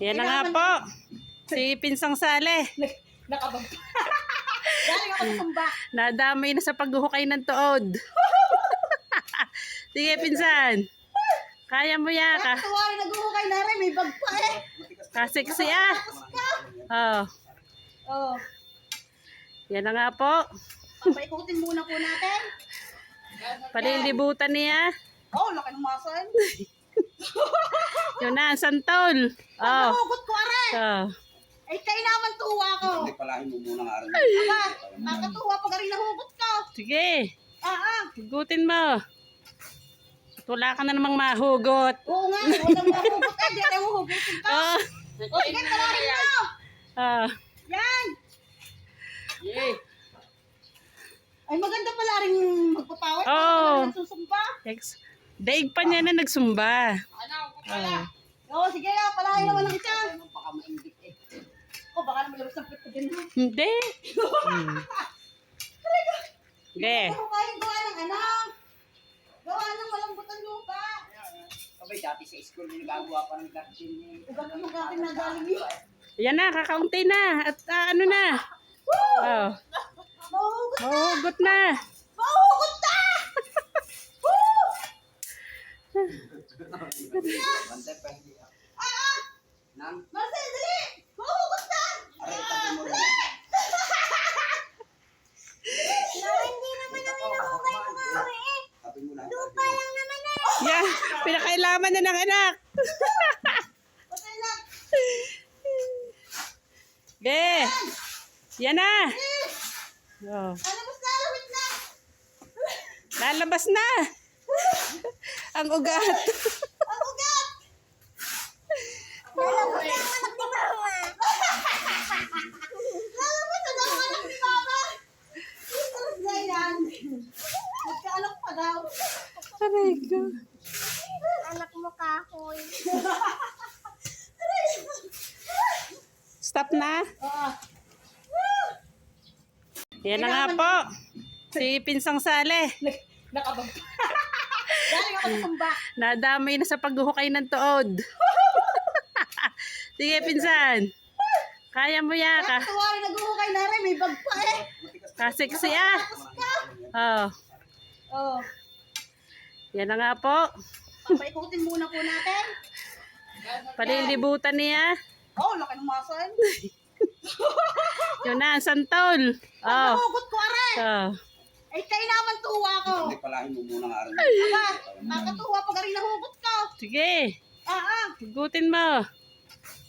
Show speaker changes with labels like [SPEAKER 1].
[SPEAKER 1] Yan na nga po. Si Pinsang Sale.
[SPEAKER 2] Nakabag. Galing ako sa sumba.
[SPEAKER 1] Nadamay na sa paghuhukay ng tuod. Sige, Pinsan. Kaya mo yan ka.
[SPEAKER 2] Tuwari naghuhukay na rin. May bag pa eh.
[SPEAKER 1] Kasiksi ah. Oh.
[SPEAKER 2] Oh.
[SPEAKER 1] Yan na nga po.
[SPEAKER 2] Paikutin muna po natin.
[SPEAKER 1] Palilibutan niya.
[SPEAKER 2] Oh, laki ng muscle.
[SPEAKER 1] Yun na, ang santol. Oh.
[SPEAKER 2] Nahugot ko are.
[SPEAKER 1] Oh.
[SPEAKER 2] Ay, kayo naman tuwa ko.
[SPEAKER 3] Hindi palahin mo muna nga rin.
[SPEAKER 2] Aba, nakatuwa pag rin nahugot ko.
[SPEAKER 1] Sige. Hugutin mo. At wala ka na namang mahugot.
[SPEAKER 2] Oo nga, walang mahugot eh. Di tayo hugutin ko.
[SPEAKER 1] Oh.
[SPEAKER 2] O, sige, talahin mo.
[SPEAKER 1] Oh.
[SPEAKER 2] Yan. Ay, maganda pala rin magpapawat.
[SPEAKER 1] Oo.
[SPEAKER 2] Nagsusumba.
[SPEAKER 1] Daig pa niya na nagsumba.
[SPEAKER 2] Pala. Oo, sige na. Palahin naman ng isa. Baka maindik eh. O, baka naman labas ng pito din.
[SPEAKER 1] Hindi. Hindi.
[SPEAKER 2] Ano kayong gawa ng anak? Gawa ng malambutan lupa.
[SPEAKER 3] Sabay dati sa school, nagagawa pa ng garden eh.
[SPEAKER 2] Ugat mo natin na galing yun.
[SPEAKER 1] Yan na, kakaunti na. At ano na. Oh.
[SPEAKER 2] Mahugot na!
[SPEAKER 1] Mahugot na.
[SPEAKER 2] Mahugot na!
[SPEAKER 3] Bantay pa hindi. Nang,
[SPEAKER 2] Marcel, dali! Mahugot na!
[SPEAKER 3] aray, tabi mo rin.
[SPEAKER 2] Hindi naman ang inuhukay ko kami eh.
[SPEAKER 3] Tabi mo na.
[SPEAKER 2] Lupa lang naman eh.
[SPEAKER 1] Yan. Pinakailaman na ng anak.
[SPEAKER 2] Okay lang.
[SPEAKER 1] Be. Yan na. Oh.
[SPEAKER 2] Ano mas lalawit na?
[SPEAKER 1] Lalabas na. Ang ugat.
[SPEAKER 2] Ang ugat! Lalabas na ang anak ni Mama. Lalabas na daw ang anak ni Mama. Terus na yan. Magkaanak pa daw.
[SPEAKER 1] Aray ko.
[SPEAKER 2] Anak mo kahoy.
[SPEAKER 1] Stop na. Yan na nga po. Si Pinsang Sale.
[SPEAKER 2] Nakabag. Galing ako sa sumba.
[SPEAKER 1] Nadamay na sa paghuhukay ng tuod. Sige, Pinsan. Kaya mo yan ka.
[SPEAKER 2] Tuwari naghuhukay na rin. May bag pa eh.
[SPEAKER 1] Kasiksi ah. Oh.
[SPEAKER 2] Oh.
[SPEAKER 1] Yan na nga po.
[SPEAKER 2] Paikutin muna po natin.
[SPEAKER 1] Palilibutan niya.
[SPEAKER 2] Oh, laki ng muscle.
[SPEAKER 1] Yun na, ang santol. Oh.
[SPEAKER 2] Nahugot ko are.
[SPEAKER 1] Oh.
[SPEAKER 2] Ay, kayo naman tuwa ko.
[SPEAKER 3] Hindi palahin mo muna nga rin.
[SPEAKER 2] Aba, nakatuwa pag rin nahugot ko.
[SPEAKER 1] Sige. Hugutin mo.